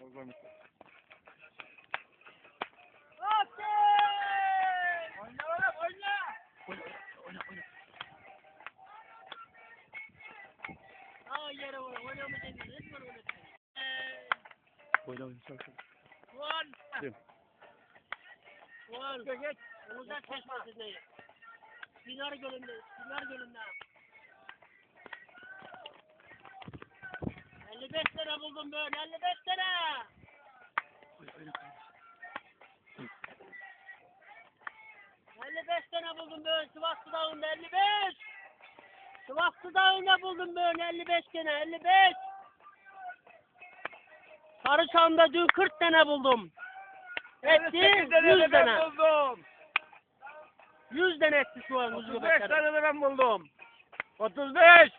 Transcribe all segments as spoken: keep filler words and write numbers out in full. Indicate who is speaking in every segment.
Speaker 1: Oyna oğlum oyna. Oyna oyna oyna.
Speaker 2: Aa yere oyna. Oynamayacağım. Resmen oyna.
Speaker 1: Oyna oyna sal sal.
Speaker 2: Gol.
Speaker 1: Değil.
Speaker 2: Gol. Geç. Uzak kesmesin neyi. Dinar gölünde. Dinar gölünde. elli beş tane buldum böyle. elli beş tane.
Speaker 1: Oyna oyna.
Speaker 2: elli beş tane buldum böyle. Sivaslı Dağı'nda elli beş. Sivaslı Dağı'nda buldum böyle. elli beş tane. elli beş. Sarıçam'da dün kırk tane buldum. Etti yüz tane.
Speaker 1: Buldum.
Speaker 2: yüz tane etti şu an kuzu
Speaker 1: otuz beş
Speaker 2: göbekleri.
Speaker 1: tane de ben buldum. otuz beş.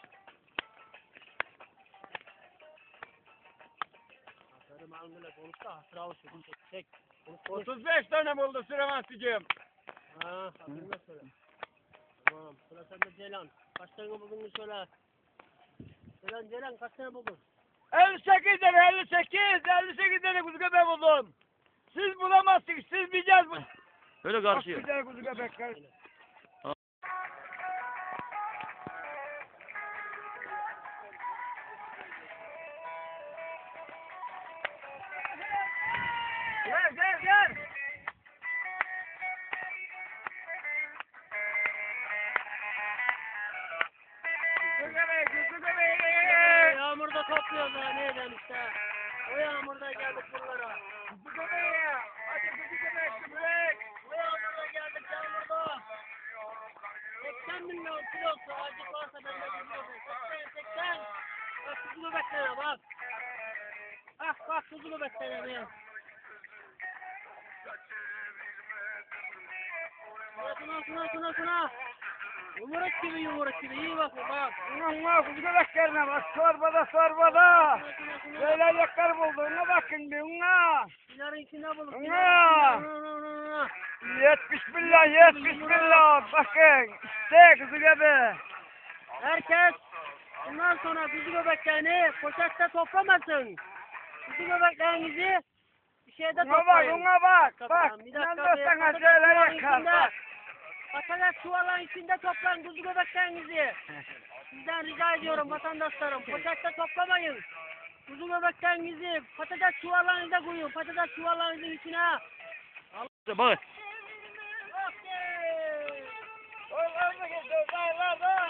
Speaker 2: Aferin alnıyla konuş da hasıra olsun. Çek.
Speaker 1: otuz beş tane buldu Süleyman'cığım.
Speaker 2: Ha, hatırına söyle. Tamam, sıra sende Ceylan. Kaç tane buldun söyle. Ceylan, Ceylan kaç tane buldun?
Speaker 1: elli sekiz tane, elli sekiz, elli sekiz tane kuzu göbeği buldum. Siz bulamazsınız, siz bileceğiz bu.
Speaker 3: Böyle
Speaker 1: Bak
Speaker 3: karşıya.
Speaker 1: bir tane kuzu göbekler. Gel, gel, gel. Kuzu göbeği, kuzu göbeği.
Speaker 2: Yağmurda topluyoruz ha, neyden işte. O yağmurda geldik buralara.
Speaker 1: Kuzu göbeği. Hadi kuzu göbeği, göbek.
Speaker 2: O yağmurda geldik yağmurda. seksen milyon kilosu acı varsa ben de biliyorum. seksen, seksen. Bak kuzu göbeklerine bak. Ah bak kuzu göbeklerine. Şuna şuna şuna şuna. Yumuruk gibi yumuruk gibi iyi bakın bak.
Speaker 1: Ulan kuzu göbeklerine bak, sorbada sorbada.
Speaker 2: Şuna şuna şuna.
Speaker 1: Böyle yakar buldu, ona bakın bir ona.
Speaker 2: Sinarın içinde bulduk.
Speaker 1: Ana!
Speaker 2: Sinarın.
Speaker 1: Yetmiş milyon, yetmiş milyon. Bakın, işte kuzu göbeği.
Speaker 2: Herkes bundan sonra kuzu göbeklerini poşette toplamasın. Kuzu göbeklerinizi bir şeyde
Speaker 1: Ona bak,
Speaker 2: toplayın.
Speaker 1: ona bak.
Speaker 2: Bir
Speaker 1: Bak,
Speaker 2: dakika, bir
Speaker 1: inanmazsan
Speaker 2: patates
Speaker 1: şöyle
Speaker 2: çuvalın
Speaker 1: yakar.
Speaker 2: içinde-
Speaker 1: Bak.
Speaker 2: Patates çuvalın içinde toplayın kuzu göbeklerinizi. Sizden rica ediyorum vatandaşlarım. Poşette toplamayın. Kuzu göbeklerinizi patates çuvallarınıza koyun. Patates çuvallarınızın içine.
Speaker 3: Bak.
Speaker 1: Soylarda geçiyor, soylarda.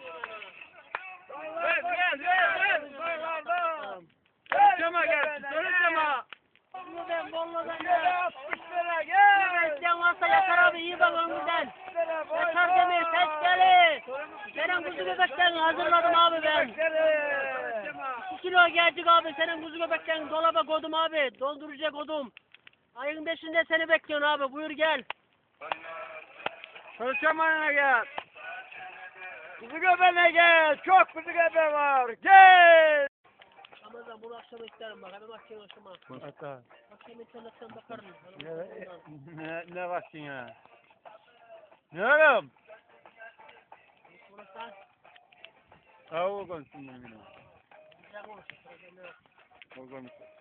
Speaker 1: Ver, ver, ver, ver. Soylarda. Sarıçama gelsin, sarıçama.
Speaker 2: Bunu ben Bolu'dan
Speaker 1: Gel,
Speaker 2: da.
Speaker 1: altmış lira, gel.
Speaker 2: Bekleyen varsa Yaşar abi iyi bak önümüzden.
Speaker 1: altmış lira, boy,
Speaker 2: Yaşar
Speaker 1: boy.
Speaker 2: Demir ses gelir. Senin kuzu göbeklerini hazırladım abi ben. iki kilo gelecek abi senin kuzu göbeklerini dolaba koydum abi. Dondurucuya koydum. Ayın beşinde seni bekliyorum abi buyur gel.
Speaker 1: Sarıçama'ya gel. Kuzu göbeğine gel. Çok kuzu göbeği var. Gel.
Speaker 2: Ramazan bunu akşam isterim bak hemen akşam akşama.
Speaker 1: Hatta.
Speaker 2: Akşam internetten bakarım.
Speaker 1: Ne, ne, ne baksın ya? Ne oğlum?
Speaker 2: Burası
Speaker 1: Tavuğu konuşsun bunu.
Speaker 2: güzel konuşuyor.
Speaker 1: O konuşsun.